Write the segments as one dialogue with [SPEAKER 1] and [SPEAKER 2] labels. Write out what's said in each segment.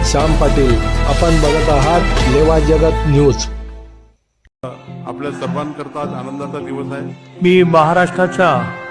[SPEAKER 1] श्याम पाटील. आपण बघत आहात लेवा जगत न्यूज.
[SPEAKER 2] आपल्या सर्वांकरता आज आनंदाचा दिवस आहे.
[SPEAKER 3] मी महाराष्ट्राच्या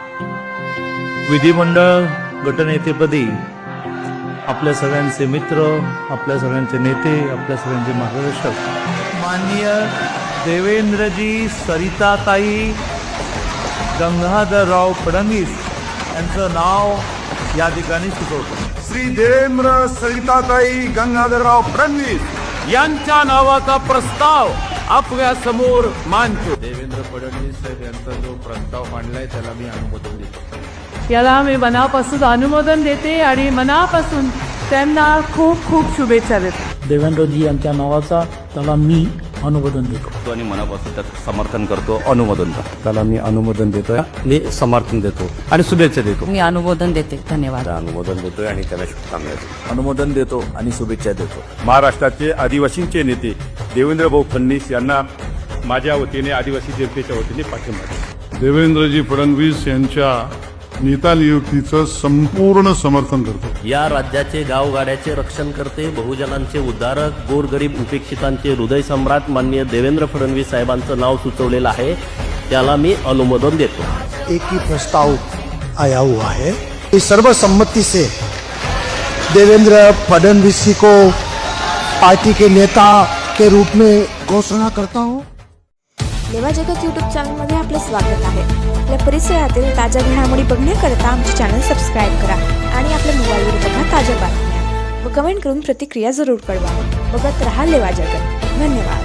[SPEAKER 3] विधिमंडळ गटनेतेपदी आपल्या सगळ्यांचे मित्र, आपल्या सगळ्यांचे नेते, आपल्या सगळ्यांचे मार्गदर्शक माननीय देवेंद्रजी सरिताताई गंगाधरराव फडणवीस यांचं नाव या ठिकाणी सुचवतो.
[SPEAKER 2] श्री देवेंद्र सरिताताई गंगाधरराव फडणवीस
[SPEAKER 4] यांच्या नावाचा प्रस्ताव आपल्या समोर मांडतो.
[SPEAKER 2] देवेंद्र फडणवीस साहेब यांचा जो प्रस्ताव मांडलाय त्याला मी अनुमोदन देतो.
[SPEAKER 5] याला मी मनापासून अनुमोदन देते आणि मनापासून त्यांना खूप खूप शुभेच्छा देते.
[SPEAKER 3] देवेंद्रजी यांच्या नावाचा त्याला मी अनुमोदन देतो
[SPEAKER 4] आणि मनापासून त्याचं समर्थन करतो, अनुमोदन करतो.
[SPEAKER 6] त्याला मी अनुमोदन देतोय, मी समर्थन देतो आणि शुभेच्छा देतो.
[SPEAKER 7] मी अनुमोदन देते. धन्यवाद.
[SPEAKER 6] अनुमोदन देतोय आणि त्याला शुभकामना देतो.
[SPEAKER 3] अनुमोदन देतो आणि शुभेच्छा देतो.
[SPEAKER 8] महाराष्ट्राचे आदिवासींचे नेते देवेंद्र भाऊ फडणवीस यांना माझ्या वतीने, आदिवासी जनतेच्या वतीने पाठिंबा देतो.
[SPEAKER 2] देवेंद्रजी फडणवीस यांच्या नेता नियुक्तीचं संपूर्ण समर्थन करतो.
[SPEAKER 9] या राज्याचे गावगाड्याचे रक्षण करते, बहुजनांचे उद्धारक, गोरगरीब उपेक्षितांचे हृदय सम्राट माननीय देवेंद्र फडणवीस साहेबांचं नाव सुचवलेलं आहे, त्याला मी अनुमोदन देतो.
[SPEAKER 10] एक ही प्रस्ताव आया हुआ है. इस सर्वसम्मति से देवेंद्र फडणवीस जी को पार्टी के नेता के रूप में घोषणा करता हूँ.
[SPEAKER 11] लेवा जगत यूट्यूब चॅनलमध्ये आपलं स्वागत आहे. आपल्या परिसरातील ताज्या घडामोडी बघण्याकरता आमचे चॅनल सबस्क्राईब करा आणि आपल्या मोबाईलवर बघा ताज्या बातम्या व कमेंट करून प्रतिक्रिया जरूर कळवा. बघत रहा लेवा जगत. धन्यवाद.